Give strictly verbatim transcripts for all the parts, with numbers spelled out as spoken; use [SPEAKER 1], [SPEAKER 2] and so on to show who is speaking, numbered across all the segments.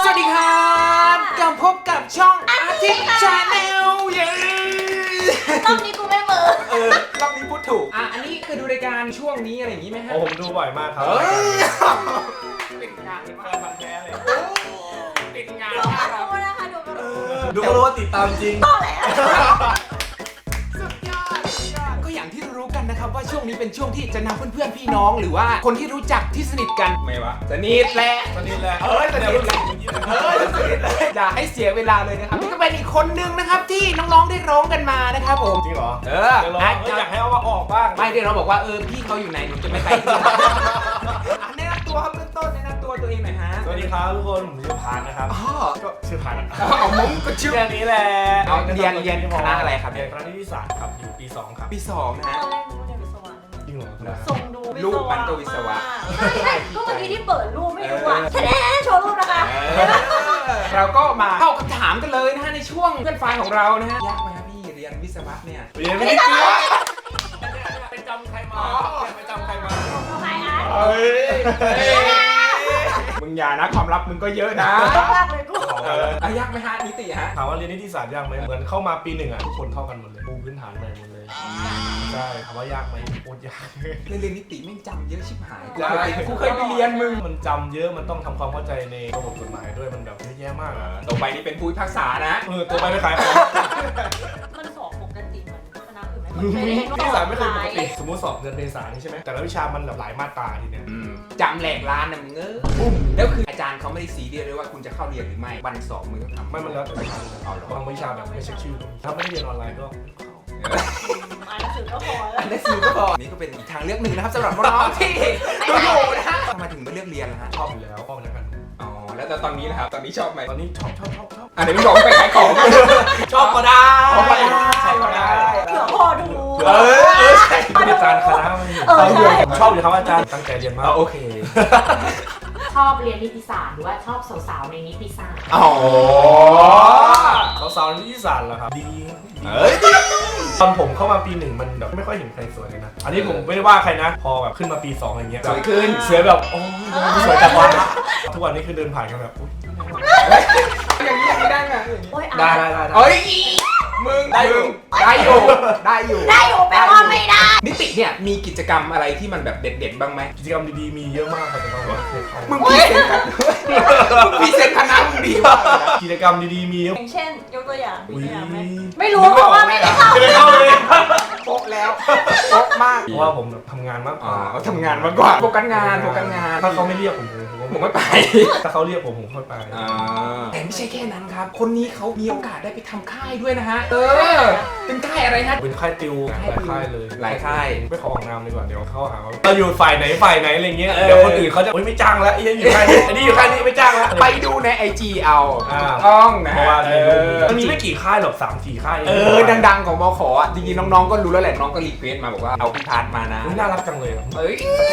[SPEAKER 1] วัสดีครับกลับพบกับช่องอาทิตย์ชาแนลเย้
[SPEAKER 2] รอบนี้กูไม่เบอร์
[SPEAKER 1] เออรอบนี้พูดถูกอ่ะอันนี้เคยดูรายการช่วงนี้อะไรอย่างนี้ไหมฮะ
[SPEAKER 3] โอ้ผมดูบ่อยมากครับ
[SPEAKER 1] เฮ้ย
[SPEAKER 3] เป็นงานมาพันแท้เลย
[SPEAKER 1] ติดงาน
[SPEAKER 2] ดูมาดูนะคะดูมาดู
[SPEAKER 3] ดูก็รู้ว่าติดตามจริง
[SPEAKER 2] ต่อแล้ว
[SPEAKER 1] สุดยอดสุดยอดก็อย่างที่รู้กันนะครับว่าช่วงนี้เป็นช่วงที่จะนำเพื่อนๆพี่น้องหรือว่าคนที่รู้จักที่สนิทกันไม่วะสนิทแหละ
[SPEAKER 3] สนิทแหละ
[SPEAKER 1] เออสนิทแหละเออสนิทเลยอย่าให้เสียเวลาเลยนะครับนี่ก็เป็นอีกคนนึงนะครับที่น้องๆได้ร้องกันมานะครับผม
[SPEAKER 3] จริงเหรอ
[SPEAKER 1] เออ
[SPEAKER 3] เดี๋ยวเราอยากให้เอามาออกบ้าง
[SPEAKER 1] ไม่ได้เราบอกว่าเออพี่เขาอยู่ไหนหนูจะไม่ไปที่แนะนำตัวครับเบื้องต้นแนะนำตัวตัวเองหน่อยฮะ
[SPEAKER 3] สวัสดีครับทุกคนผมชื่อพานนะครับ
[SPEAKER 1] อ๋อ
[SPEAKER 3] ก็ชื่อพานนะ
[SPEAKER 1] เอามุ้งก็ชื่อ
[SPEAKER 3] แค่นี้แหละ
[SPEAKER 1] เอาเรียนเรียนคณะอะไรครับ
[SPEAKER 3] เรียนคณะนิติศาสตร์ครับอยู่ปีสองครับ
[SPEAKER 1] ปีสองนะฮะ
[SPEAKER 2] ตอนแรกรู้ว่าเรียนวิศวะเลย
[SPEAKER 3] จริงเหรอ
[SPEAKER 2] ส่งดูวิศวะ
[SPEAKER 1] รูปมันก็วิศวะ
[SPEAKER 2] ใช่ใช่ก็เมื่อกี้ที่เปิดรูปไม่รู้อ่ะแสดงโชว์รูปนะคะ
[SPEAKER 1] เราก็มาเข้าคำถามกันเลยนะฮะในช่วงเพื่อนไฟของเรานะฮะยากไหมครับพี่เรียนวิศวะเนี่ย
[SPEAKER 3] เรียนไม่ได้เรียนไปจำใครมาไปจำใครมา
[SPEAKER 2] ทำไมอ่ะ
[SPEAKER 1] เฮ้ยมึงอย่านะความลับมึงก็เยอะนะ
[SPEAKER 2] มากเลยกู
[SPEAKER 1] เอออ่ะยากไหมฮะนิติฮะ
[SPEAKER 3] ถามว่าเรียนนิติศาสตร์ยากไหมเหมือนเข้ามาปีหนึ่งอ่ะทุกคนเข้ากันหมดเลยปูพื้นฐานใหม่หมดเลยใช่ถามว่ายากไหมโคตรยาก
[SPEAKER 1] เรียนเรียนนิติแม่งจำเยอะชิบหาย
[SPEAKER 3] ใช่
[SPEAKER 1] กูเคยไปเรียนมึง
[SPEAKER 3] มันจำเยอะมันต้องทำความเข้าใจในระบบกฎหมายด้วยมันแบบเยอะแยะมากอ่ะ
[SPEAKER 1] ต่อไปนี่เป็นผู้พิพากษานะ
[SPEAKER 3] เออตัวไปไม่ขายของ
[SPEAKER 2] มันสอบปกติเหมือนคณะอื่นไหม
[SPEAKER 3] นิติศาสตร์ไม่เคยปกติสมมติสอบเดือนเมษายนนี่ใช่ไหมแต่ละวิชามันแบบหลายมาตราทีเนี้ย
[SPEAKER 1] จำแหลกร้านนะมึงเออแล้วคืออาจารย์เขาไม่ได้ซีเรียสเลยว่าคุณจะเข้าเรียนหรือไม่วันสอบมึงต้องทำ
[SPEAKER 3] ไม่มันแล้วแต่วิชาบางวิชาแบบไม่เช็คชื่อถ้าไม่ได้เรียนออนไลน์ก็
[SPEAKER 2] อ่านหนังสือก็พอแล้ว
[SPEAKER 1] อันนี้ซีก็พอนี่ก็เป็นอีกทางเลือกหนึ่งนะครับสำหรับน้องๆที่ดูอยู่นะฮะทำไมถึงไม่เลือกเรียนล่ะฮะ
[SPEAKER 3] ชอบอยู่แล้วชอบแล้วกัน
[SPEAKER 1] อ๋อแล้วตอนนี้นะครับตอนนี้ชอบไหม
[SPEAKER 3] ตอนนี้ชอบชอบชอบชอบ
[SPEAKER 1] อันนี้มึงบอกไปขายของ
[SPEAKER 3] ชอบก็ได้
[SPEAKER 1] ชอบก็ได้ใช่ก็ได้
[SPEAKER 2] เผื่อพ่อดู
[SPEAKER 1] เออเออใช่
[SPEAKER 3] อาจารย์คณะไม่
[SPEAKER 2] เออใช่
[SPEAKER 3] ชอบอยู่ครับอาจารย์ตั้งใจเรียนมาก
[SPEAKER 1] โอเค
[SPEAKER 4] ชอบเรียนนิติศาสตร์หรือว่าชอบสาวๆในนิติศาสตร์
[SPEAKER 1] อ๋อ
[SPEAKER 3] สาวๆนิติศาสตร์เหรอครับดี
[SPEAKER 1] เฮ้ย
[SPEAKER 3] ตอนผมเข้ามาปีหนึ่งมันแบบไม่ค่อยเห็นใครสวยเลยนะอันนี้ผมไม่ได้ว่าใครนะ พอแบบขึ้นมาปีสองอะไรเงี้ย
[SPEAKER 1] สวยขึ้น
[SPEAKER 3] เสือแบบโอ้ยสวยจังวะทุกวันนี้คือเดินผ่านกันแบบ
[SPEAKER 1] อย่างนี้อย่างนี้ได้ไหมอย่างนี้
[SPEAKER 2] โอ้ย
[SPEAKER 3] ได้
[SPEAKER 2] อ่าน
[SPEAKER 3] ได้ได้
[SPEAKER 1] เอ้ยมึงได้อยู่ได้อยู่ได้อยู่
[SPEAKER 2] ได้อยู่แปลว่าไม่ได้
[SPEAKER 1] นิติเนี่ยมีกิจกรรมอะไรที่มันแบบเด็ดๆบ้างไหม
[SPEAKER 3] กิจกรรมดีๆมีเยอะมากครับแต่ว่าไม่เคยเข้า
[SPEAKER 1] มึงพรีเซนต์กันมึงพรีเซนต์คณะมึงดีมากเลยนะ
[SPEAKER 3] กิจกรรมดีๆมีเยอะ
[SPEAKER 2] อย่างเช่นยกตัวอย่างมี
[SPEAKER 3] อุ้ย
[SPEAKER 2] ตัวอย่างไหมไม่รู้เพราะว่าไม่ได้เข้า
[SPEAKER 3] ไม่ได้เข้าเลย
[SPEAKER 1] โป๊ะแล้วโป๊ะมาก
[SPEAKER 3] เพราะว่าผมแบบทำงานมากก
[SPEAKER 1] อ๋อ
[SPEAKER 3] ว่า
[SPEAKER 1] เขาทำงานมากกว่าโฟกัสงานโฟกัสงาน
[SPEAKER 3] ถ้าเขาไม่เรียกผมผม
[SPEAKER 1] ผมไม่ไป
[SPEAKER 3] ถ้าเขาเรียกผมผมค่อยไป
[SPEAKER 1] แต่ไม่ใช่แค่นั้นครับ คนนี้เขามีโอกาสได้ไปทำค่ายด้วยนะฮะ เออ เป็นค่ายอะไรฮะ
[SPEAKER 3] เป็นค่ายติวหลายค่ายเลย
[SPEAKER 1] หลายค่าย
[SPEAKER 3] ไม่ขอออกนามดีกว่าเดี๋ยวเขาหาว่าเราอยู่ฝ่ายไหนฝ่ายไหนอะไรเงี้ย
[SPEAKER 1] เออ
[SPEAKER 3] เดี๋ยวคนอื่นเขาจะโอ๊ยไม่จ้างแล้วไอ้อยู่ค่ายนี้อันนี้อยู่ค่ายนี้ไม่จ้างแล้ว
[SPEAKER 1] ไปดูในไอจีเอา
[SPEAKER 3] อ่า
[SPEAKER 1] ต้องนะ
[SPEAKER 3] เพราะว่า
[SPEAKER 1] เอ
[SPEAKER 3] ในรูป
[SPEAKER 1] อ
[SPEAKER 3] มันมีไม่กี่ค่ายหรอกสามสี่ค่าย
[SPEAKER 1] เออ ดังๆของมขอ่ะ จริงๆน้องๆก็รู้แล้วแหละ น้องก็รีเควสต์มาบอกว่าเอาพี่พาร์ทมานะ
[SPEAKER 3] อุ๊ยน่ารักจังเลยอะ
[SPEAKER 1] เอ้ย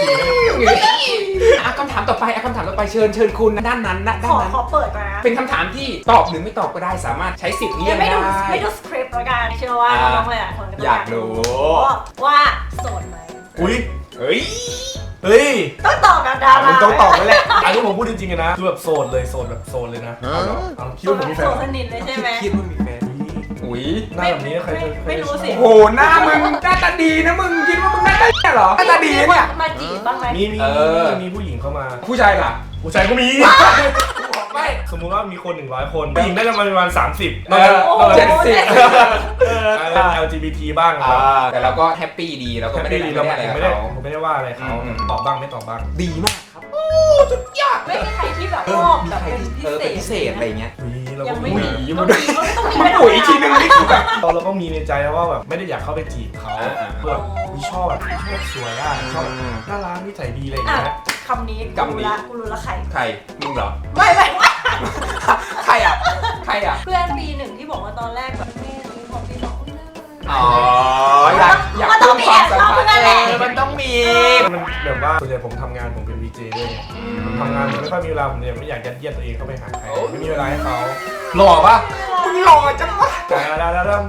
[SPEAKER 1] อ่ะคำถามต่อไปอ่ะคำถามต่อไปเชิญเชิญคุณนะด้านนั้นนะ
[SPEAKER 2] ข
[SPEAKER 1] ด้าน
[SPEAKER 2] อ
[SPEAKER 1] นั้น
[SPEAKER 2] ขอเปิดก่อนนะ
[SPEAKER 1] เป็นคำถามที่ตอบหรือไม่ตอบก็ได้สามารถใช้สิทธิ์เลี่ยง
[SPEAKER 2] ไม่
[SPEAKER 1] ได้
[SPEAKER 2] ดูไม่ดูสคริปต์แล้วกันเชื่อว่า
[SPEAKER 1] อ่า
[SPEAKER 2] น้องๆหลายๆคนก็
[SPEAKER 1] อยากรู้
[SPEAKER 2] ว่าโสดไหม
[SPEAKER 3] อุ้ย
[SPEAKER 1] เฮ้ย
[SPEAKER 3] เฮ้ย
[SPEAKER 2] ต้องตอบกับดารา
[SPEAKER 1] มึงต้องตอบแล้วแหละ
[SPEAKER 3] อันนี้ผมพูดจริงๆนะคือแบบโสดเลยโสดแบบโสดเลยนะเอาเหรอเอาคิดว่าผมมีแฟน
[SPEAKER 2] โส
[SPEAKER 3] เหร
[SPEAKER 2] ด
[SPEAKER 3] อ
[SPEAKER 2] สนิทเลยใช่ไหม
[SPEAKER 1] คิดว่ามีแฟนอุ้ย
[SPEAKER 3] หน้าแบบนี้ใครจะใคร
[SPEAKER 2] ไม่
[SPEAKER 3] จะ
[SPEAKER 2] รู้สิ
[SPEAKER 1] โอ้โหหน้ามึงหน้าตาดีนะมึงคิดว่ามึงหน้าตาดีเหรอหน้าตาดีเนี่ย
[SPEAKER 2] มาจีบบ้างไหม
[SPEAKER 3] มีมี
[SPEAKER 1] เออ
[SPEAKER 3] มีผู้หญิงเข้ามา
[SPEAKER 1] ผู้ชายล่ะ
[SPEAKER 3] ผู้ชายก็มี
[SPEAKER 1] ไม่
[SPEAKER 3] สมมุติว่ามีคนหนึ่งร้อยคนผู้หญิงได้ประมาณสามสิบ
[SPEAKER 1] เออ
[SPEAKER 2] โอ้โห
[SPEAKER 1] เจ็ดสิบ
[SPEAKER 3] แอล จี บี ที บ้าง
[SPEAKER 1] อ่าแต่เราก็แฮปปี้ดีเราก็ไม่ได้
[SPEAKER 3] ดี
[SPEAKER 1] ไม่
[SPEAKER 3] เรา
[SPEAKER 1] ได้
[SPEAKER 3] ไม่
[SPEAKER 1] อะไร
[SPEAKER 3] ได้
[SPEAKER 1] กับเขา
[SPEAKER 3] ผมไม่ได้ว่าอะไรเขา
[SPEAKER 1] อืม
[SPEAKER 3] ตอบบ้างไม่ตอบบ้าง
[SPEAKER 1] ดีมากครับโอ้สุดยอด
[SPEAKER 2] ไม่มีใครที่แบบชอบแบบ
[SPEAKER 1] ใคร
[SPEAKER 2] เป็น
[SPEAKER 1] ที่
[SPEAKER 2] พิ
[SPEAKER 1] เออ
[SPEAKER 2] เศ
[SPEAKER 1] เป็น
[SPEAKER 2] ษ
[SPEAKER 1] พิเศษอะไรเงี้ย
[SPEAKER 3] อุ๊ยเรา
[SPEAKER 2] ยั
[SPEAKER 3] ก็
[SPEAKER 2] ง
[SPEAKER 3] มี
[SPEAKER 2] ไม่มี
[SPEAKER 1] อุ๊ย
[SPEAKER 2] ต้องมีต้องมี
[SPEAKER 1] มันปุ๋ยอีกทีนึงนี่คือแบบ
[SPEAKER 3] เราเราก็มีในใจแล้วว่าแบบไม่ได้อยากเข้าไปจีบเขา
[SPEAKER 1] อ่าอ่า
[SPEAKER 3] เพื่อแบบอุ๊ยชอบแบบชอบสวยอ่ะชอบน่ารักนิสัยดีอะไรอย่าง
[SPEAKER 2] อ่ะ
[SPEAKER 3] เงี้ย
[SPEAKER 2] คำนี้กูรู้ละกูรู้ละใคร
[SPEAKER 1] ใครมึงเหรอ
[SPEAKER 2] ไม่ไม่ไม่
[SPEAKER 1] ใครอ่ะใครอ่ะ
[SPEAKER 2] เพื่อนปีหนึ่งที่บอกว่าตอนแรกแบบแม่มีพอปีสองอุ้ยน่ารัก
[SPEAKER 1] อ๋ออยากอยาก
[SPEAKER 2] มันต้องมี
[SPEAKER 1] ความสัมพันธ์
[SPEAKER 2] แอบชอบเพื่อนแหละ
[SPEAKER 1] เออมันต้องมี
[SPEAKER 3] มันแบบว่าส่วนใหญ่ผมทำงานผมเป็นวีเจด้วยไงผมทำงานผมไม่ค่อยมีเวลาผมเนี่ยไม่อยากยัดเยียดตัวเองเข้าไปหาใครไม่มีเวลาให้เขาหล่อปะ
[SPEAKER 1] มึงหล่อจังวะ
[SPEAKER 3] แต่แล้วแล้วแล้ว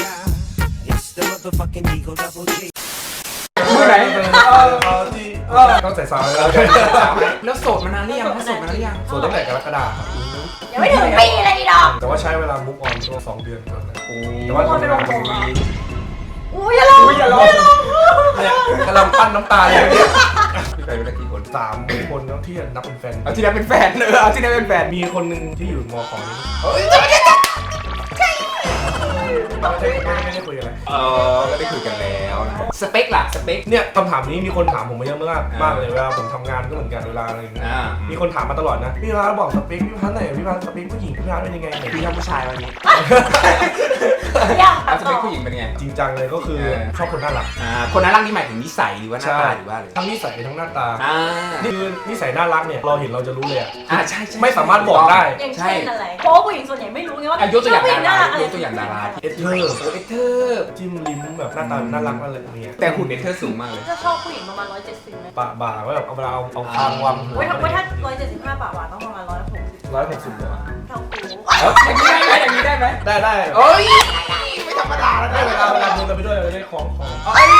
[SPEAKER 5] It's the motherfucking Eagle Double G.
[SPEAKER 1] มือไหน
[SPEAKER 3] เออที่
[SPEAKER 1] เออ
[SPEAKER 3] ต้องใส่ซาวด์แล้ว
[SPEAKER 1] แล้วโสดมานานหรือยังโสดมานานหรือยัง
[SPEAKER 3] ส่วนตั้งแต่กรกฎาคม
[SPEAKER 2] ยังไม่ถึงปีเลยอีดอก
[SPEAKER 3] แต่ว่าใช้เวลามุกออนช่วงสองเดือนก่อนนะ
[SPEAKER 1] โอ้
[SPEAKER 3] แต่ว่าทำงาน
[SPEAKER 2] อุ้ยอย่าลง
[SPEAKER 1] ยอย่าลอง
[SPEAKER 3] เนี่ยกำลังปั้นน้ำตาเลยเนี่ย
[SPEAKER 1] พี่ไปรู้ได้กี่คน
[SPEAKER 3] สามคนแล้วที่นับเป็นแฟน
[SPEAKER 1] เอาที่นั้นเป็นแฟนเออเอาที่นั้นเป็นแฟน
[SPEAKER 3] มีคนหนึ่งที่อยู่มอของนี่
[SPEAKER 1] เฮ้ยจะไม่ได้
[SPEAKER 3] ไม่ได้ไม่ได้คุยกันเลย
[SPEAKER 1] เออก็ได้คุยกันแล้วนะสเปคล่ะสเปค
[SPEAKER 3] เนี่ยคำถามนี้มีคนถามผมมาเยอะมากมากเลยเวลาผมทำงานก็เหมือนกันเวลาอะไรอย่างเงี้ย
[SPEAKER 1] อ่า
[SPEAKER 3] มีคนถามมาตลอดนะพี่พัทบอกสเปคพี่พัทไหนพี่พัทสเปคผู้หญิงพี่พัทเป็นยังไงไหน
[SPEAKER 1] พี่ชอบผู้ชายวันนี้
[SPEAKER 2] อยาก
[SPEAKER 1] เอาส
[SPEAKER 2] ต่
[SPEAKER 1] เป
[SPEAKER 2] อ
[SPEAKER 1] คผู้หญิงเป็นไง
[SPEAKER 3] จริงจังเลยก็คือชอบคนน่ารัก
[SPEAKER 1] อ่าคนนั้นรักนี่หมายถึงนิสัยหรือว่าหน้าตาหรือว่าอะไร
[SPEAKER 3] ทั้งนิสัยทั้งหน้าตา
[SPEAKER 1] อ่า
[SPEAKER 3] นี่คือนิสัยน่ารักเนี่ยเราเห็นเราจะรู้เลยอะ
[SPEAKER 1] อ่าใช่ใช่
[SPEAKER 3] ไม่สามารถบอกได้
[SPEAKER 2] อย่างเช่นอะไรเพราะว่าผู้หญิงส่วนใหญ่ไม่รู้ไงว่า
[SPEAKER 1] อ่ะยกตัวอย่าง
[SPEAKER 2] ผู้หญิง
[SPEAKER 1] ดา
[SPEAKER 2] น่า
[SPEAKER 1] รา
[SPEAKER 2] รักอะไร
[SPEAKER 1] ยกตัวอย่างดารา
[SPEAKER 3] เอสเธอร์
[SPEAKER 1] เอเธอร์
[SPEAKER 3] จิ้มลิ้มแบบหน้าตาน่ารักอะไรแบบเนี้ย
[SPEAKER 1] แต่หุ่นเอเธอร์สูงมากเลย
[SPEAKER 2] จะชอบผู้หญิงประมาณร้อยเจ็ดสิบไหม
[SPEAKER 3] ปะบ่าว่าแบบเอาเวลาเอาเอาคางวางหัว
[SPEAKER 2] ไว้ถ้าไว้ถ้าร้อยเจ็ดสิบห้าบาทหวานต้องประมาณร้อยหกสิบ
[SPEAKER 3] ร้อยหกสิบหัว
[SPEAKER 2] เท่ากู
[SPEAKER 1] เอออย่างนี้ได้ไหมอย่างนี้ได้ไหม
[SPEAKER 3] ได้ได้
[SPEAKER 1] โอ้ยไม่ธรรมดาแล้ว
[SPEAKER 3] ได้
[SPEAKER 1] ได้
[SPEAKER 3] เว
[SPEAKER 1] เว
[SPEAKER 3] ลา
[SPEAKER 1] ลา
[SPEAKER 3] เว
[SPEAKER 1] เว
[SPEAKER 3] ลา
[SPEAKER 1] ลา
[SPEAKER 3] เดินไปด้วยเราได้ของของ
[SPEAKER 1] เอ้ย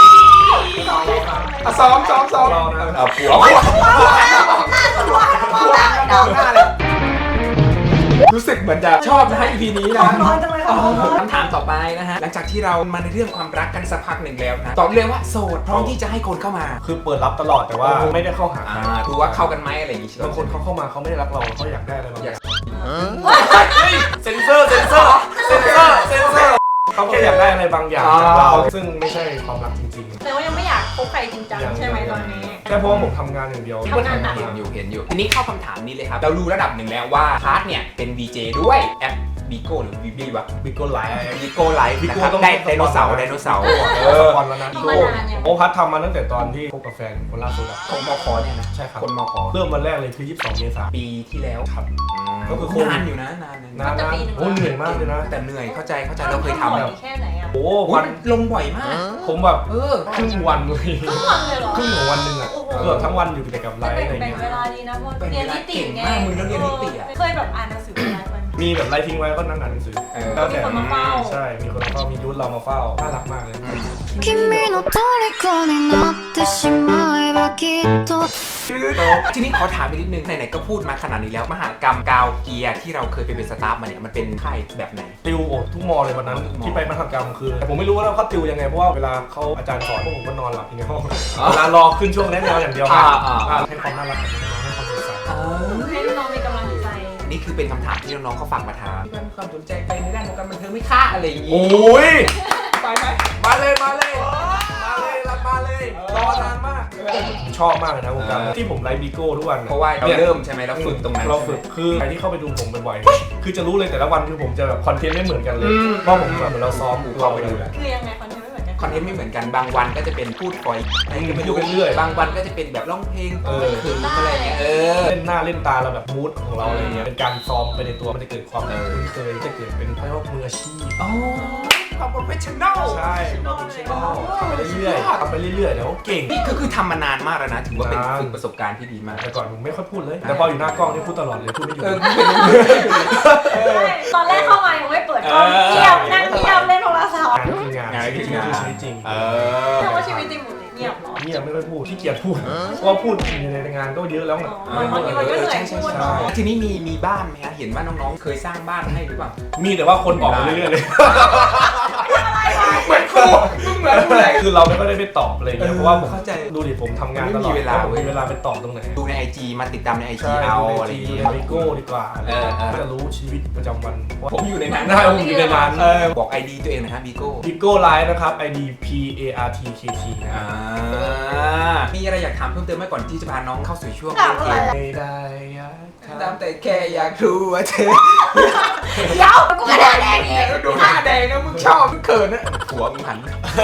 [SPEAKER 1] อ่ะซ้อมซ้อมซ้อมเอาผัวผัวผัวดาวหน้าเลยรู้สึกเหมือนจะชอบนะฮะ อี พี นี้นะ
[SPEAKER 2] ร้อนจังเลยค่ะ
[SPEAKER 1] คำถามต่อไปนะฮะหลังจากที่เรามาในเรื่องความรักกันสักพักหนึ่งแล้วนะตอบเลยว่าโสดพร้อมที่จะให้คนเข้ามา
[SPEAKER 3] คือเปิดรับตลอดแต่ว่าไม่ได้เข้าหาใคร
[SPEAKER 1] อ่าดูว่าเข้ากันไหมอะไรอย่างงี้ใช่ไหม
[SPEAKER 3] บางคนเขาเข้ามาเขาไม่ได้รักเราเขาอยากได้อะไรบาง
[SPEAKER 1] อ
[SPEAKER 3] อย
[SPEAKER 1] าก
[SPEAKER 3] เซนเซอร์เซนเซอร์เซนเซอร์เซนเซอร์เขาแค่อยากได้อะไรบางอย่างจากเราซึ่งไม่ใช่ความรักจริง
[SPEAKER 2] แต่ว่ายังไม่อยากคบใครจริงจังใช่ไหมตอนนี้
[SPEAKER 3] ๆแค่เพราะว่าผมทำงานอย่างเดียว
[SPEAKER 2] ทำงานหนัก
[SPEAKER 1] เห็นอยู่เห็นอยู่ทีนี้เข้าคำถามนี้เลยครับเรารู้ระดับหนึ่งแล้วว่าพาร์ทเนี่ยเป็น วี เจ ด้วยแอปบิโก้หรือวิบีวะ
[SPEAKER 3] บิโก้ไลท์
[SPEAKER 1] บิโก้ไลฟ์นะครับได้ไดโนเสาร์ไดโนเสาร์
[SPEAKER 3] เออสปอนแล้วนะ
[SPEAKER 2] ทำมานานยัง
[SPEAKER 3] โอพัททำมาตั้งแต่ตอนที่คบกับแฟนคนล่าสุดอะ
[SPEAKER 1] ของมคเนี่ยนะ
[SPEAKER 3] ใช่ครับ
[SPEAKER 1] คนมค
[SPEAKER 3] เริ่มวันแรกเลยคือยี่สิบสองเมษายน
[SPEAKER 1] ปีที่แล้ว
[SPEAKER 3] ครับ ก็
[SPEAKER 1] ก็
[SPEAKER 3] คื
[SPEAKER 1] คือ อ
[SPEAKER 3] โควิด
[SPEAKER 1] นานอยู่นะนานนะ
[SPEAKER 3] นานนะโอ้เหนื่อยมากเลยนะ
[SPEAKER 1] แต่เหนื่อยเข้าใจเข้าใจเราเคยทำ
[SPEAKER 2] บ่
[SPEAKER 1] แบ
[SPEAKER 2] อบ แค่ไหนอ่ะ
[SPEAKER 3] โอ้
[SPEAKER 1] โอ้
[SPEAKER 3] วั
[SPEAKER 1] ย
[SPEAKER 3] น
[SPEAKER 1] ลงบ่อยมาก
[SPEAKER 3] ผมแบบ
[SPEAKER 1] เออ
[SPEAKER 3] ครึ่งวันเลย
[SPEAKER 2] ทั้งวันเลยเหรอ
[SPEAKER 3] ครึ่งของวันหนึ่งอะ
[SPEAKER 2] โอ้โห
[SPEAKER 3] เกือบทั้งวันอยู่แต่กับไลฟ์อะไร
[SPEAKER 2] แบ่ง
[SPEAKER 3] เงี้ย
[SPEAKER 2] เวลาดีนะเพราะเรียนนิติไงเคยแบบอ่านหนังสือไลฟ์มัน
[SPEAKER 3] มีแบบไลฟ์ทิ้งไว้ก็นั่งอ่านหนังสือ
[SPEAKER 1] เออ
[SPEAKER 3] แล้วแต่
[SPEAKER 2] มีคนมาเฝ้า
[SPEAKER 3] ใช่ มีคนมาเฝ้ามียุทธเรามาเฝ้าน่ารักมากเลย
[SPEAKER 5] 君の虜になってしまえばきっと
[SPEAKER 1] ทีนี้ขอถามไปนิดนึงไหนๆก็พูดมาขนาดนี้แล้วมหากรรมกาวเกียร์ที่เราเคยไปเป็นสตาฟมาเนี่ยมันเป็นค่ายแบบไหน
[SPEAKER 3] ติวโอ้ทุกมอเลยวันนั้น
[SPEAKER 1] ทุกมอ
[SPEAKER 3] ที่ไปมหกรรมคือแต่ผมไม่รู้ว่าเขาติวยังไงเพราะว่าเวลาเขาอาจารย์สอนพวกผมก็นอนหลับอยู่ในห้องเวลารอขึ้นช่วงแนะแนวอย่างเดียวนะ
[SPEAKER 1] อ่าอ่า
[SPEAKER 3] อ่าให้ความน่ารักกับน้องๆให้ความสดใส
[SPEAKER 2] ให้น้องมีกำลังใจ
[SPEAKER 1] นี่คือเป็นคำถามที่น้องๆเขาฝากมาถามมีความสนใจไปในด้านของการบันเทิงไหม่ค่าอะไรอย่างงี้
[SPEAKER 3] โอ้ย
[SPEAKER 1] ไปไหม
[SPEAKER 3] มาเลยมาเลยมาเลยรับมาเลยรอนานมากผมชอบมากเลยนะวงการที่ผมไลฟ์บิโก้ทุกวัน
[SPEAKER 1] เพราะว่าเราเริ่มใช่ไหมเราฝึกตรงนั้น
[SPEAKER 3] เราฝึกคือใครที่เข้าไปดูผมบ่อยๆคือจะรู้เลยแต่ละวันคือผมจะแบบคอนเทนต์ไม่เหมือนกันเลยเพราะผมแบบเหมือนเราซ้อมเราไปดูแล
[SPEAKER 2] คือยังไงคอนเทนต์ไม่เหมือนกัน
[SPEAKER 1] คอนเทนต์ไม่เหมือนกันบางวันก็จะเป็นพูดคอยให้กัน
[SPEAKER 3] ไป
[SPEAKER 1] ไป
[SPEAKER 3] ดู
[SPEAKER 1] ดู
[SPEAKER 3] ไปเรื่อย
[SPEAKER 1] บางวันก็จะเป็นแบบร้องเพลง
[SPEAKER 3] เออ
[SPEAKER 1] คืออะไรอย่างเงี้ยเออ
[SPEAKER 3] เล่นหน้าเล่นตาเราแบบมูดของเราอะไรเงี้ยเป็นการซ้อมไปในตัวมันจะเกิดความ
[SPEAKER 1] เออ
[SPEAKER 3] คุ้นเคยจะเกิดเป็นเรียกว่ามืออาชีพ
[SPEAKER 1] อ๋อความโปรเฟชชั่นแนล
[SPEAKER 3] ใช่เราเป็นเชฟทำไปเรื่อยๆทำไปเรื่อยๆแล้วเก่ง
[SPEAKER 1] นี่คือคือทำมานานมากแล้วนะถือว่าเป็น
[SPEAKER 3] นาน
[SPEAKER 1] ฝึกประสบการณ์ที่ดีมาก
[SPEAKER 3] แต่ก่อนผมไม่ค่อยพูดเลย แต่พออยู่หน้ากล้องนี่พูดตลอดเลยพูดไม่หยุด
[SPEAKER 1] เออไม่เป็นไร
[SPEAKER 2] ตอนแรกเข้ามายังไม่เปิดกล้องเงียบนั่งเงียบเล่นโทรศัพท์
[SPEAKER 3] งานก็คืองาน
[SPEAKER 1] งานก็คืองาน
[SPEAKER 3] ชีวิตจริง
[SPEAKER 1] เออ
[SPEAKER 2] แต่ว่าชีวิตจริงหมดเลยเงียบเหรอ
[SPEAKER 3] เงียบไม่ค่อยพูดขี้เกียจพูดเพราะว่าพูดอยู่ในงานก็เยอะแล้วไง
[SPEAKER 2] อ๋อบางทีมันก็เหนื่อยพูดเนาะ
[SPEAKER 1] ทีนี้มีมีบ้านไหมฮะเห็นว่าน้องๆเคยสร้างบ้านให้หรือเปล่า
[SPEAKER 3] มีแต่ว่าคนบอกมาเรื่อยๆเลย
[SPEAKER 1] เหมือนกูมึงเหมือนกูเลย
[SPEAKER 3] คือเราไม่ค่อยได้ไปตอบอะไรเงี้ยเพราะว่าผม
[SPEAKER 1] เข้าใจ
[SPEAKER 3] ดูดิผมทำงานต
[SPEAKER 1] ไม่
[SPEAKER 3] ล
[SPEAKER 1] มี
[SPEAKER 3] อด
[SPEAKER 1] เวลา
[SPEAKER 3] ผม
[SPEAKER 1] เว้ย
[SPEAKER 3] มีเวลาไปตอบตรงไหน
[SPEAKER 1] ดูในไอจีมาติดตามในไอจี
[SPEAKER 3] ใช่
[SPEAKER 1] เอา
[SPEAKER 3] ดู
[SPEAKER 1] อะไร
[SPEAKER 3] ใน
[SPEAKER 1] อย่าง
[SPEAKER 3] จี
[SPEAKER 1] เงี้ย
[SPEAKER 3] ในโก้ดีกว่า
[SPEAKER 1] เออเออ
[SPEAKER 3] ก็จะรู้ชีวิตประจำวัน
[SPEAKER 1] ผมอยู่ในนั้น
[SPEAKER 3] ได้ผมอยู่ในนั้น
[SPEAKER 1] เออบอกไอดีตัวเองนะฮะบีโก้
[SPEAKER 3] บิโก้ไลฟ์นะครับ ไอ ดี P A R T K T นะค
[SPEAKER 1] อ่า
[SPEAKER 3] รับ
[SPEAKER 1] มีอะไรอยากถามเพิ่มเติมไหมก่อนที่จะพาน้องเข้าสู่ช่วง
[SPEAKER 2] ถามอะไร
[SPEAKER 3] ไม่ได้อยากถาม
[SPEAKER 1] ตามแต่แค่อยากรู้ว่าเธอ
[SPEAKER 2] เดี๋ยวกูกระดาษแดงอีก
[SPEAKER 1] ดูหน้าแดงนะมึงชอบมึงเขินนะหัวมึงหัน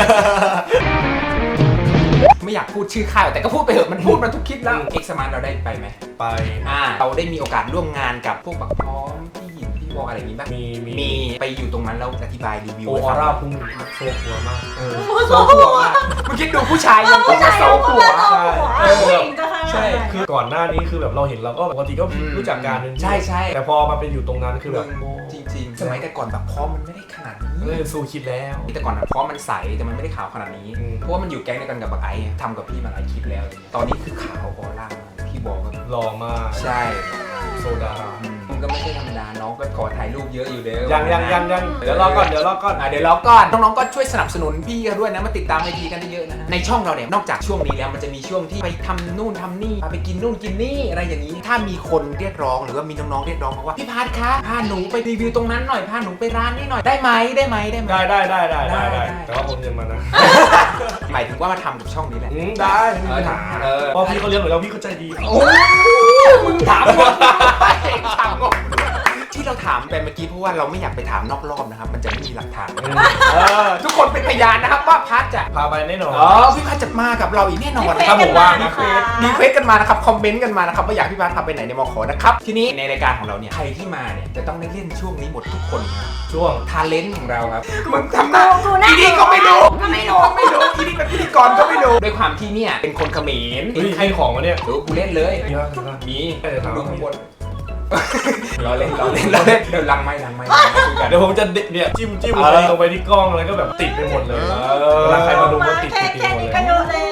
[SPEAKER 1] ไม่อยากพูดชื่อค่ายแต่ก็พูดไปเถอะมันพูดมาทุกคลิปแล้วเอ็กซ์มานเราได้ไปไหม
[SPEAKER 3] ไป
[SPEAKER 1] อ่าเราได้มีโอกาสร่วมงานกับพวกบักพร้อมพี่หยินพี่วออะไรอย่างนี้บ้าง
[SPEAKER 3] มีมี
[SPEAKER 1] มีไปอยู่ตรงนั้นแล้วอธิบายรีวิว
[SPEAKER 3] โอ
[SPEAKER 1] ให้
[SPEAKER 3] อ
[SPEAKER 1] ฟัง
[SPEAKER 3] ร่าพุ่งโซหัวมาก
[SPEAKER 1] เออโซ่หัวมากมึงคิดดูผู้ชายยังต้องมาโซ่หัว
[SPEAKER 2] ใช่ผู้หญิงจะทำ
[SPEAKER 1] ใช่
[SPEAKER 3] คือก่อนหน้านี้คือแบบเราเห็นเราก็ปกติก็รู้จักการเป็น
[SPEAKER 1] ใช่ใช่
[SPEAKER 3] แต่พอมาเป็นอยู่ตรงนั้นคือแบบ
[SPEAKER 1] จริงๆ สมัยแต่ก่อนแบบพร้อมมันไม่ได้ขนาดนี้
[SPEAKER 3] เออสู้คิดแล้ว
[SPEAKER 1] แต่ก่อนอะพร้อมมันใสแต่มันไม่ได้ขาวขนาดนี้
[SPEAKER 3] อืม
[SPEAKER 1] เพราะว่ามันอยู่แก๊งเดียวกันกับบักไอ้ทำกับพี่มาหลายคลิปแล้ว ตอนนี้คือขาวออร่ามากพี่บอกว่า
[SPEAKER 3] หล่อมาก
[SPEAKER 1] ใช่
[SPEAKER 3] โซดา
[SPEAKER 1] มันก็ไม่ใช่ธรรมดาน้องก็ขอถ่ายรูปเยอะอยู่เด้อ
[SPEAKER 3] ยังยังยังยังเดี๋ยวรอก่อนเดี๋ยวรอก่อน
[SPEAKER 1] อ่ะเดี๋ยวรอก่อนน้องๆก็ช่วยสนับสนุนพี่กันด้วยนะมาติดตามไอจีกันเยอะๆนะในช่องเราเนี่ยนอกจากช่วงนี้แล้วมันจะมีช่วงที่ไปทำนู่นทำนี่ไปกินนู่นกินนี่อะไรอย่างนี้ ถ้ามีคนเรียกร้องหรือว่ามีน้องๆเรียกร้องมาว่าพี่พาร์ทคะพาหนูไปรีวิวตรงนั้นหน่อยพาหนูไปร้านนี้หน่อยได้ไหมได้ไหมได้ไหม
[SPEAKER 3] ได้ได้ได้ได้ได้
[SPEAKER 1] ได้
[SPEAKER 3] ได้แต่ว่าโอนเงินมานะ
[SPEAKER 1] หมายถึงว่ามาทำกับช่องนี้แหละ
[SPEAKER 3] อืมได้ไม่มีปัญหา
[SPEAKER 1] เออ
[SPEAKER 3] เพราะพี่เขาเลี้ยงเหมือนเราพี่เขาใจดี
[SPEAKER 1] โอ้มึงถามงงถามงงที่เราถามไปเมื่อกี้เพราะว่าเราไม่อยากไปถามนอกรอบนะครับมันจะไม่มีหลักฐานเออทุกคนเป็นพยานนะครับว่าพัทจะ
[SPEAKER 3] พาไปแน่นอน
[SPEAKER 1] อ๋อพี่พัทจะมากับเราอีกแน่นอน
[SPEAKER 2] รี
[SPEAKER 1] ครับ
[SPEAKER 2] เคว
[SPEAKER 1] ผ
[SPEAKER 2] ส
[SPEAKER 1] มว่า
[SPEAKER 2] กันมา
[SPEAKER 1] รีเควส
[SPEAKER 2] นะคะ
[SPEAKER 1] รีเควสกันมานะครับคอมเมนต์กันมานะครับว่าอยากพี่พัทพาไปไหนในมอขอนะครับทีนี้ในรายการของเราเนี่ยใครที่มาเนี่ยจะต้องได้เล่นช่วงนี้หมดทุกคนนะ
[SPEAKER 3] ช่วง
[SPEAKER 1] ทาเลนต์ของเราครับมึงทำหน้า
[SPEAKER 2] กูหน้า
[SPEAKER 1] อีนี่ก็ไม่รู้
[SPEAKER 2] ก็ไม่รู้
[SPEAKER 1] ไม่รู้อีนี่เป็นพิธีกรก็ไม่รู้ด้วยความที่เนี่ยเป็นคนเขมร
[SPEAKER 3] เฮ้ยให้ของมาเนี่ย
[SPEAKER 1] ดูกูเล่นเลย
[SPEAKER 3] มีป่ะมีป่ะ
[SPEAKER 1] มี
[SPEAKER 3] เออถาม
[SPEAKER 1] ดูข้างบนรอเล่นรอเล่นรอเล่นเดี๋ยวลังไม่ลังไม่คุยกัน
[SPEAKER 3] เดี๋ยวผมจะเนี่ยจิ้มจิ้ม
[SPEAKER 1] เออ
[SPEAKER 3] ลงไปที่กล้องแล้วก็แบบติดไปหมดเลย เวลาใครมาดูก็ติด
[SPEAKER 2] แค่
[SPEAKER 3] ติด
[SPEAKER 2] แค่
[SPEAKER 3] หมด
[SPEAKER 2] นี้
[SPEAKER 3] เลย
[SPEAKER 2] ก็เยอะแล้ว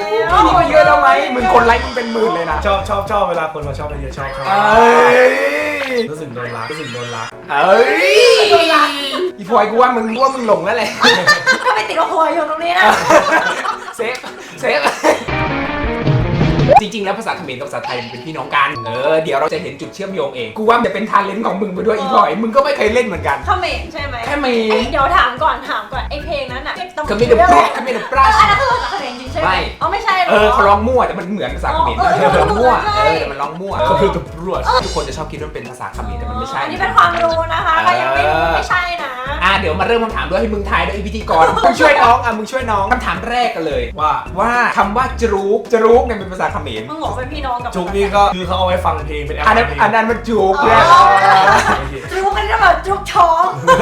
[SPEAKER 1] นี่ก็เยอะแล้วไหมมึงคนไลค์มึงเป็นหมื่นเลยนะ
[SPEAKER 3] ชอบชอบชอบเวลาคนมาชอบเยอะชอบชอบ
[SPEAKER 1] เอ้ย
[SPEAKER 3] รู้สึกโดนรักรู้สึกโดนรัก
[SPEAKER 1] เอ้ยอีพลอยกูว่ามึงว่ามึงหลงแล้วแหละ
[SPEAKER 2] ก็ไม่ติดว่าหัวอยู่ตรงนี้นะ
[SPEAKER 1] เซฟเซฟจริงๆแล้วภาษาเขมรกับภาษาไทยมันเป็นพี่น้องกันเออเดี๋ยวเราจะเห็นจุดเชื่อมโยงเองกูว่ามันจะเป็นทาเลนต์ของมึงไปด้วยอีพลอยมึงก็ไม่เคยเล่นเหมือนกัน
[SPEAKER 2] เขมรใช่ไหม
[SPEAKER 1] แค่เม
[SPEAKER 2] เอ้ย
[SPEAKER 1] น
[SPEAKER 2] เดี๋ยวถามก่อนถามก่อนไอเพลงนั้นอ่ะ
[SPEAKER 1] ก็ไม่ได้ปลอกก็ไม่ได้ปลา
[SPEAKER 2] เอออันนั้นคือภาษาเขมรจริงใช่ไหม
[SPEAKER 1] ไม่
[SPEAKER 2] อ๋อไม่ใช่หรอ
[SPEAKER 1] เออเขาร้องมั่วแต่มันเหมือนภาษาเขมร
[SPEAKER 2] อ๋อ
[SPEAKER 1] เออมันมั่ว
[SPEAKER 2] ใช่
[SPEAKER 1] เออแต่มันร้องมั่ว
[SPEAKER 3] ก็คือตำรวจ
[SPEAKER 1] ทุกคนจะชอบคิดว่ามันเป็นภาษาเขมรแต่มันไม่ใช่
[SPEAKER 2] อันนี้เป็นความรู้นะคะก็ยังไม่รู้ไม่ใช่นะ
[SPEAKER 1] อ่ะเดี๋ยวมาเริ่มคำถามด้วยให้มึงทายด้วยไอ้พิธีกร มึงช่วยน้องอ่ะมึงช่วยน้องคำถามแรกกันเลย
[SPEAKER 3] ว่า
[SPEAKER 1] ว่าคำว่าจรูกจรูกเนี่ยเป็นภาษาเขมร
[SPEAKER 2] มึงบอกเป็นพี่น้องกับ
[SPEAKER 3] จุกนี่ก็คือเขาเอาไว้ฟังเพลงเป็นแอป
[SPEAKER 1] อันนั้น
[SPEAKER 3] เพลง
[SPEAKER 1] อันนั้นมันจูก
[SPEAKER 2] อ๋อ
[SPEAKER 1] เนี่ย
[SPEAKER 2] จุกกันจะแบบจุกท้อง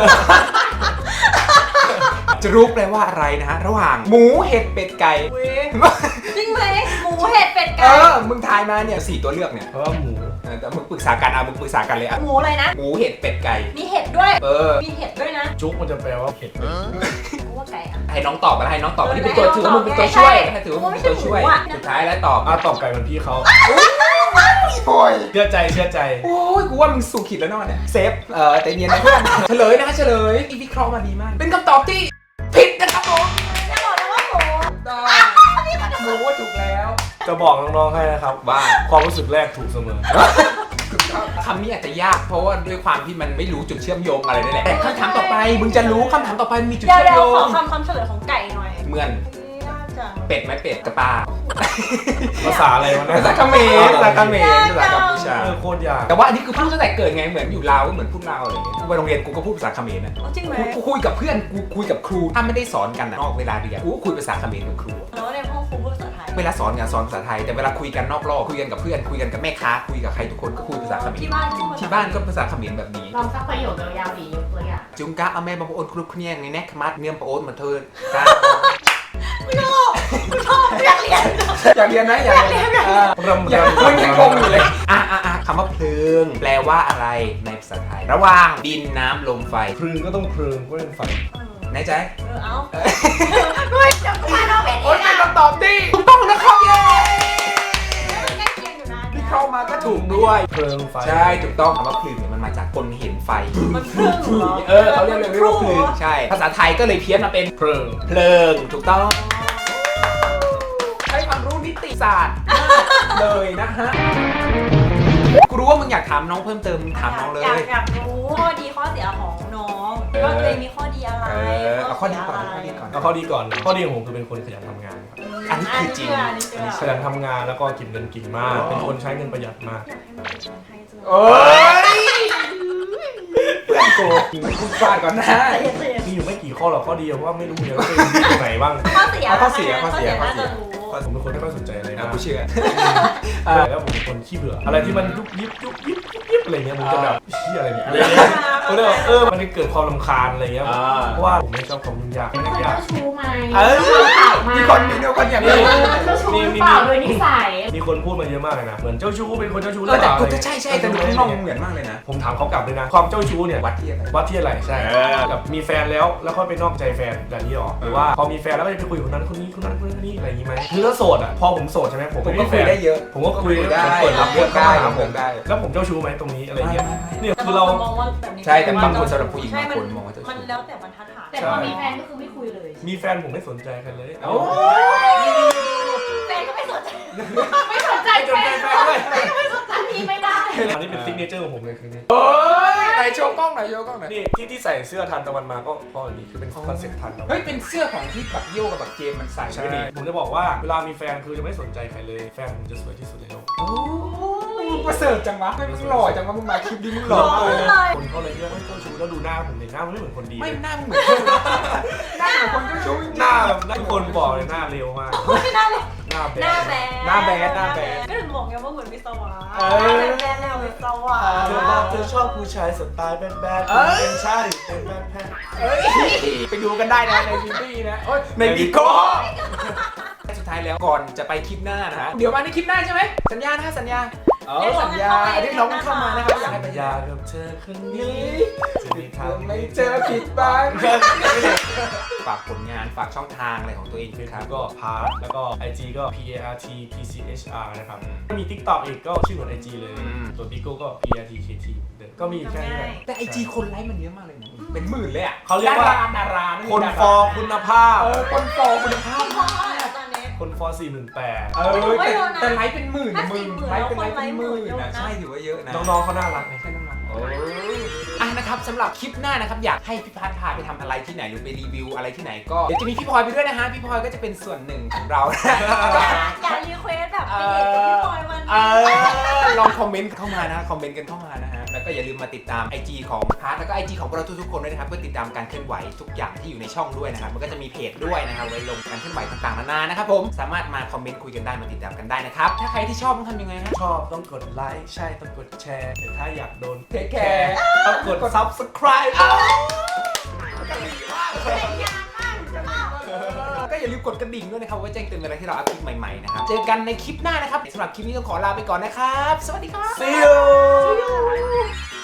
[SPEAKER 1] จรูกแปลว่าอะไรนะฮะระหว่างหมูเห็ดเป็ดไก่
[SPEAKER 2] เว้ยจริงไหมหมูเห็ดเป็ด
[SPEAKER 1] เอ
[SPEAKER 2] ไก่
[SPEAKER 1] อมึงทายมาเนี่ยสี่ตัวเลือกเนี่ย
[SPEAKER 3] เพราะว่าหมู
[SPEAKER 1] เออแต่มึงปรึกษากันอ่ะมึงปรึกษากันเลยอ่ะ
[SPEAKER 2] หมูอะไรนะ
[SPEAKER 1] หมูเห็ดเป็ดไก่
[SPEAKER 2] มีเห็ดด้วย
[SPEAKER 1] เออ
[SPEAKER 2] มีเห็ดด้วยนะ
[SPEAKER 3] จุกมันจะแปลว่าเผ็ด
[SPEAKER 2] กูว่าไก่อะ
[SPEAKER 1] ให้น้องตอบมาให้น้องตอบ
[SPEAKER 2] เออ
[SPEAKER 1] นี่เป็นตัว
[SPEAKER 2] ให้
[SPEAKER 1] ถือ
[SPEAKER 2] น้
[SPEAKER 1] ว่า
[SPEAKER 2] อง
[SPEAKER 1] มึง
[SPEAKER 2] ตอบ
[SPEAKER 1] เป็นตัวช่วย
[SPEAKER 2] ใช่
[SPEAKER 1] ให้ถือว่ามึงเป็นตัวช่วย
[SPEAKER 2] ไม่ใช่หมูอะ
[SPEAKER 1] สุดท้ายแล้วตอบ
[SPEAKER 3] อ่ะตอบไก่เหมือนพี่เขา
[SPEAKER 1] โอ้ย
[SPEAKER 3] เชื่อใจเชื่อใจ
[SPEAKER 1] โอ้ยกูว่ามึงสู่ขีดแล้วเนอนเนี่ยเซฟเออแต่เนียนนะเพื่อน เฉลยนะคะเฉลยอีวิเคราะห์มาดีมาก เป็นคำตอบที่ผิดนะครับผม
[SPEAKER 2] จะบอกนะว่าหมู
[SPEAKER 1] ต้องหมูว่าถูกแล้ว
[SPEAKER 3] จะบอกน้องๆให้นะครับ
[SPEAKER 1] ว่า
[SPEAKER 3] ความรู้สึกแรกถูกเสมอ
[SPEAKER 1] คำนี้อาจจะยากเพราะว่าด้วยความที่มันไม่รู้จุดเชื่อมโยงอะไรนั่นแหละแต่คำถามต่อไปมึงจะรู้คำถามต่อไปมันมีจุด
[SPEAKER 2] เดี๋ยว
[SPEAKER 1] เชื่อม
[SPEAKER 2] เดี๋ยว
[SPEAKER 1] โย
[SPEAKER 2] ของ คำคำเฉลยของไก่หน่อย
[SPEAKER 1] เหมือน
[SPEAKER 2] นี่น่าจะ
[SPEAKER 1] เป็ดไหมเป็ดกระปา
[SPEAKER 3] ภาษาอะไรวะเนี่
[SPEAKER 1] ภาย ษาเขมรภาษาเขมรภาษากัมพูชา
[SPEAKER 3] เออโคตรยาก
[SPEAKER 1] แต่ว่าอันนี้คือพูดตั้งแต่เกิดไงเหมือนอยู่ลาวก็เหมือนพูดลาวอะไรอย่างเงี้ยกูไปโรงเรียนกูก็พูดภาษาเขมรนะ
[SPEAKER 2] อ๋อจริงไหม
[SPEAKER 1] กูคุยกับเพื่อนกูคุยกับครูถ้าไม่ได้สอนกันอะนอกเวลาเรียนกูก็คุยภาษาเขมรกับครู
[SPEAKER 2] แล้วในห้องครูพูดภาษาไทย
[SPEAKER 1] เวลาสอนงานสอนภาษาไทยแต่เวลาคุยกันนอกรอบคุยกันกับเพื่อนคุยกันกับแม่ค้าคุยกับใครทุกคนก็คุยภาษาเขมร
[SPEAKER 2] ที่บ้านพูดภษ
[SPEAKER 1] ที่บ้านก็ภาษาเขมรแบบนี้
[SPEAKER 4] ลองสักประโยคยาวๆดียกตัวอย่าง
[SPEAKER 1] จุงกะเอาแม่บางโอนครุกเนี่ยในแนกขมัดเนื่อมปะโอนมาเทินกะ
[SPEAKER 2] ไม่ชอบไม่ชอบอยากเรียน
[SPEAKER 1] อยากเรียนนะอยากเรียนเออ
[SPEAKER 3] รำ
[SPEAKER 1] อยาก
[SPEAKER 3] รำ
[SPEAKER 1] มึงยังงงอยู่เลยอ่ะอ่ะอ่ะคำว่าเพลิง แปลว่าอะไรในภาษาไทย ระหว่างดินน้ำลมไฟ
[SPEAKER 3] พรึงก็ต้องพรึงก็เป็นไฟ
[SPEAKER 1] ไหนใจ
[SPEAKER 2] เออเอาด้วยเดี๋ยวกูมาน้องเป็น
[SPEAKER 1] โอ๊
[SPEAKER 2] อี
[SPEAKER 1] ย
[SPEAKER 2] ก
[SPEAKER 1] เป็น
[SPEAKER 2] อ่ะ
[SPEAKER 1] คำตอบที่ถูกต้องนะครับเย้
[SPEAKER 2] ใกล้เคียงอยู่นะ
[SPEAKER 1] ที่เข้ามาก็ถูกด้วย
[SPEAKER 3] เพลิงไฟ
[SPEAKER 1] ใช่ถูกต้องคำว่าเพลิงเนี่ยมันมาจากคนเห็นไฟ
[SPEAKER 2] มันครึ่งเหรอ
[SPEAKER 1] เออเขาเรียกเลยว่าเพลิงใช่ภาษาไทยก็เลยเพี้ยนมาเป็น
[SPEAKER 3] เพลิง
[SPEAKER 1] เพลิงถูกต้องใช้ความรู้นิติศาสตร์เลยนะฮะกูรู้ว่ามึงอยากถามน้องเพิ่มเติมถามน้องเลย
[SPEAKER 2] อยากอยากรู้ข้อดีข้อเสียของน้องว่าตัวเองมีข้อดีอะไร
[SPEAKER 1] เออเอาข้อดีก่อนเอาข้อดีก่อน
[SPEAKER 3] เอาข้อดีก่อน ข้อดีของผมคือเป็นคนขยันทำงานครับ
[SPEAKER 1] อันนี้คือจริง
[SPEAKER 2] อันนี้เชื่อ
[SPEAKER 3] ขยันทำงานแล้วก็เก็บเงินกินมาก เป็นคนใช้เงินประหยัดมาก
[SPEAKER 2] อยากให้มันเป็นคนไทยจังเลย
[SPEAKER 1] โอ้ยเพื่อนกูกูฟาดก่อนนะ
[SPEAKER 2] แต่อย่าเสีย
[SPEAKER 3] มีอยู่ไม่กี่ข้อหรอกข้อดีเพราะว่าไม่รู้เลยว่าตัวเองดีตรงไหนบ้าง
[SPEAKER 2] ข้อเสีย
[SPEAKER 1] เอาข้อเสียข้อเสียข้อ
[SPEAKER 2] น่า
[SPEAKER 1] เสี
[SPEAKER 2] จะ
[SPEAKER 1] ย
[SPEAKER 2] รู้
[SPEAKER 3] ผมเป็นคนไม่ค่อยสนใจอะไร
[SPEAKER 1] อ่ะ
[SPEAKER 3] มาก
[SPEAKER 1] กูเชื่อ
[SPEAKER 3] ใช่แล้วผมเป็นคนขี้เบื่อ อะไรที่มันยุบยิบยุบยิบยุบยิบอะไรเงี้ยผมจะแบบเชี่ยอะไรเนี่ยก็เลยแบบเออมันจะเกิดความรำคาญอะไรเงี้ย
[SPEAKER 1] อ่า
[SPEAKER 3] เพราะว่าผมไม่ชอบความยุ่งยากไม่
[SPEAKER 4] เป็น
[SPEAKER 3] ได้
[SPEAKER 4] คน
[SPEAKER 3] ยาก
[SPEAKER 4] เจ้าชู้ไหม
[SPEAKER 1] เออ
[SPEAKER 4] ถามมา
[SPEAKER 1] มีคนมีคนอย่าง
[SPEAKER 4] เอ
[SPEAKER 1] นี้
[SPEAKER 4] อเจ้าชู้หรือเปล่าโดยนิสัย
[SPEAKER 3] มีคนพูดมาเยอะมากเลยนะ เหมือนเจ้าชู้เป็นคนเจ้าชู้ห
[SPEAKER 1] เอ
[SPEAKER 3] รือ อ
[SPEAKER 1] แต่
[SPEAKER 3] เปล่า
[SPEAKER 1] กูจะใช่ใช่แต่ดูข้างนอกเหมือนมากเลยนะ
[SPEAKER 3] ผมถามเขากลับเลยนะ ความเจ้าชู้เนี่ย
[SPEAKER 1] วัดที่อะไร
[SPEAKER 3] วัดที่อะไรใช่
[SPEAKER 1] เออ
[SPEAKER 3] แบบมีแฟนแล้วแล้วค่อยไปนอกใจแฟนแบบนี้หรอหรือว่าพอมีแฟนแล้วก็จะไปคุยกับคนนั้นคนนี้คนนั้นคนนี้อะไรอย่างนี้ไหมคือถ้าโสดอ่ะพอผมโสดใช่ไหมผม
[SPEAKER 1] ผม
[SPEAKER 3] ไม่
[SPEAKER 1] ก็
[SPEAKER 3] มีแฟ
[SPEAKER 1] คุย
[SPEAKER 3] น
[SPEAKER 1] ได้เยอะ
[SPEAKER 3] ผมก็คุย
[SPEAKER 1] ได้
[SPEAKER 3] ผมเปิดรับเพื่อนเข้า
[SPEAKER 1] ได้
[SPEAKER 3] มาหาผม
[SPEAKER 1] ได้
[SPEAKER 3] แล้วผมเจ้าชู้ไหมตรงนี้อะไรเงี้ย
[SPEAKER 1] ไม่ไม่ไม่
[SPEAKER 3] เนี่ย
[SPEAKER 2] แต่
[SPEAKER 3] คือบ
[SPEAKER 2] าง
[SPEAKER 3] เรา
[SPEAKER 2] คนมองว่าแบบนี้
[SPEAKER 1] ใช่แต่บางคนสำหรับผู้หญิง
[SPEAKER 2] ใช่
[SPEAKER 1] บางคนมองว่าเจ้าชู้
[SPEAKER 2] มันแล้วแต่บรรทัดฐาน
[SPEAKER 4] แต่พอมีแฟนก็คือไม่คุยเลย
[SPEAKER 3] มีแฟนผมไม่สนใจใครเลย
[SPEAKER 1] โอ้
[SPEAKER 2] แฟนก็ไม่สนใจ
[SPEAKER 4] ไม่สนใจแฟนเลยไม่สนใจพี่ไม่ได้
[SPEAKER 3] อันนี้เป็นซิกเนเจอร์ของผมเลยคือนี่
[SPEAKER 1] โอ้ยไหนโชว์กล้องหน่อยโชว์กล้องหน่อย
[SPEAKER 3] นี่ที่ที่ใส่เสื้อทันตะวันมาก็เพราะอันนี้คือเป็นคอนเซ็ปต์ทันตะวัน
[SPEAKER 1] เฮ้ยเป็นเสื้อของที่บักโยกับบักเจมมันใส่
[SPEAKER 3] ใช่
[SPEAKER 1] ไม่ดี
[SPEAKER 3] ผมจะบอกว่าเวลามีแฟนคือจะไม่สนใจใครเลยแฟนผมจะสวยที่สุดในโลก
[SPEAKER 1] โอ้ยประเสริฐจังวะไม่มึงหล่อจังวะมึงมาคลิปนี้มึงหล่อ
[SPEAKER 2] หล่อ
[SPEAKER 1] เลย
[SPEAKER 2] เลย
[SPEAKER 3] คนเขาเลยเรียกว่าเจ้าชู้แล้วดูหน้าผมเลยหน้ามันไม่เหมือนคนดี
[SPEAKER 1] ไม่
[SPEAKER 3] เลย
[SPEAKER 1] นั่งเหมือนเจ้าหน้าเหมือนคนเจ้าชู้จริงๆ
[SPEAKER 3] หน้าแบบหน้าคนบอกเลยหน้าเร็วมาก
[SPEAKER 2] ไม่น่าเลย
[SPEAKER 3] หน้าแบ
[SPEAKER 2] หน้า
[SPEAKER 3] บ
[SPEAKER 2] แบด
[SPEAKER 1] หน้าแบดหน้าแบด
[SPEAKER 2] ก็ถึงบอกไงว่าเหมือนวิศวะ
[SPEAKER 1] เออ
[SPEAKER 2] หน้าแบดแนววิศวะ
[SPEAKER 3] เธอบอกเธอชอบผู้ชายสไตล์แบดแบด
[SPEAKER 1] เอ้ย
[SPEAKER 3] เป็นใช่เป็นแบดแบด
[SPEAKER 1] เอ้ยไปดูกันได้นะในซีรีส์นะโอ้ยในบิโก้สุดท้ายแล้วก่อนจะไปคลิปหน้านะฮะเดี๋ยวมาในคลิปหน้าใช่ไหมสัญญานะสัญญาเออสัญญาเรียกน้องเข้ามานะครับอยากให้
[SPEAKER 3] สั
[SPEAKER 1] ไป
[SPEAKER 3] ญ
[SPEAKER 1] ยา
[SPEAKER 3] ญากับเธอคนนี้
[SPEAKER 1] นี้
[SPEAKER 3] จะมีทาง
[SPEAKER 1] ไม่เจอผิดบ้างฝากผลงานฝากช่องทางอะไรของตัวเอง
[SPEAKER 3] เฟ
[SPEAKER 1] ด้วย
[SPEAKER 3] ซ
[SPEAKER 1] ครับ
[SPEAKER 3] บุ๊กก็พาร์ทแล้วก็ ไอ จี ก็ P A R T P C H R นะครับถ้ามี TikTok อีกก็ชื่อเหมือน ไอ จี เลย
[SPEAKER 1] อืม
[SPEAKER 3] ส่วน Bigo ก็ P A R T K T เดิมก็มีแค่นี้แหละ
[SPEAKER 1] แต่ไอจีคนไลค์มันเยอะมากเลยนะเป็นหมื่นเลยอ่ะ
[SPEAKER 3] เขาเรียกว่า
[SPEAKER 1] ดาราดาราะ
[SPEAKER 3] คน
[SPEAKER 1] ดารา
[SPEAKER 3] ฟอร์คุณภาพ
[SPEAKER 1] เออคนฟอร์คุณภาพ
[SPEAKER 2] พ่อแล้วตอนนี้
[SPEAKER 3] คนฟอร์สี่หมื่นแปด
[SPEAKER 1] เออ
[SPEAKER 2] ถือว่า
[SPEAKER 1] แต่
[SPEAKER 2] เยอะนะ
[SPEAKER 1] แต่ไลค์เป็นหมื่น
[SPEAKER 2] ถ้า
[SPEAKER 1] หมื่น
[SPEAKER 2] สี่หมื่น
[SPEAKER 1] ไลค์เป็นไลค์
[SPEAKER 2] แล้วคน
[SPEAKER 1] เป็นหมื่น
[SPEAKER 2] ไลค์หมื่นเยอะ
[SPEAKER 1] นะ
[SPEAKER 2] นะ
[SPEAKER 1] ใช่ถือว่าเยอะนะ
[SPEAKER 3] น้องๆเขาน่ารักไง
[SPEAKER 1] ใช่น้องๆโอ้อ่ะนะครับสำหรับคลิปหน้านะครับอยากให้พี่พัดพาไปทำอะไรที่ไหนหรือไปรีวิวอะไรที่ไหนก็เดี๋ยวจะมีพี่พลอยไปด้วยนะฮะพี่พลอยก็จะเป็นส่วนหนึ่งของเรา
[SPEAKER 2] อย่ารีเควสแบบไปเดทกับพี่พลอยวัน
[SPEAKER 1] เอ
[SPEAKER 2] นี้
[SPEAKER 1] อลองคอมเมนต์เข้ามานะคอมเมนต์กันเข้ามานะฮะแล้วก็อย่าลืมมาติดตาม ไอ จี ของพาร์ทแล้วก็ ไอ จี ของพวกเราทุกๆคนด้วยนะครับเพื่อติดตามการเคลื่อนไหวทุกอย่างที่อยู่ในช่องด้วยนะครับมันก็จะมีเพจด้วยนะครับไว้ลงการเคลื่อนไหวต่างๆนานานะครับผมสามารถมาคอมเมนต์คุยกันได้มาติดตามกันได้นะครับถ้าใครที่ชอบต้องทำยังไงฮะ
[SPEAKER 3] ชอบต้องกดไลค์ใช่ต้องกดแชร์แต่ถ้าอยากโดน
[SPEAKER 1] เทคแคร์
[SPEAKER 3] ต้องกด Subscribe
[SPEAKER 1] ก็อย่าลืมกดกระดิ่งด้วยนะครับไว้แจ้งเตือนเวลาที่เราอัพคลิปใหม่ๆนะครับเจอกันในคลิปหน้านะครับสำหรับคลิปนี้ต้องขอลาไปก่อนนะครับสวัสดีครับ
[SPEAKER 3] See you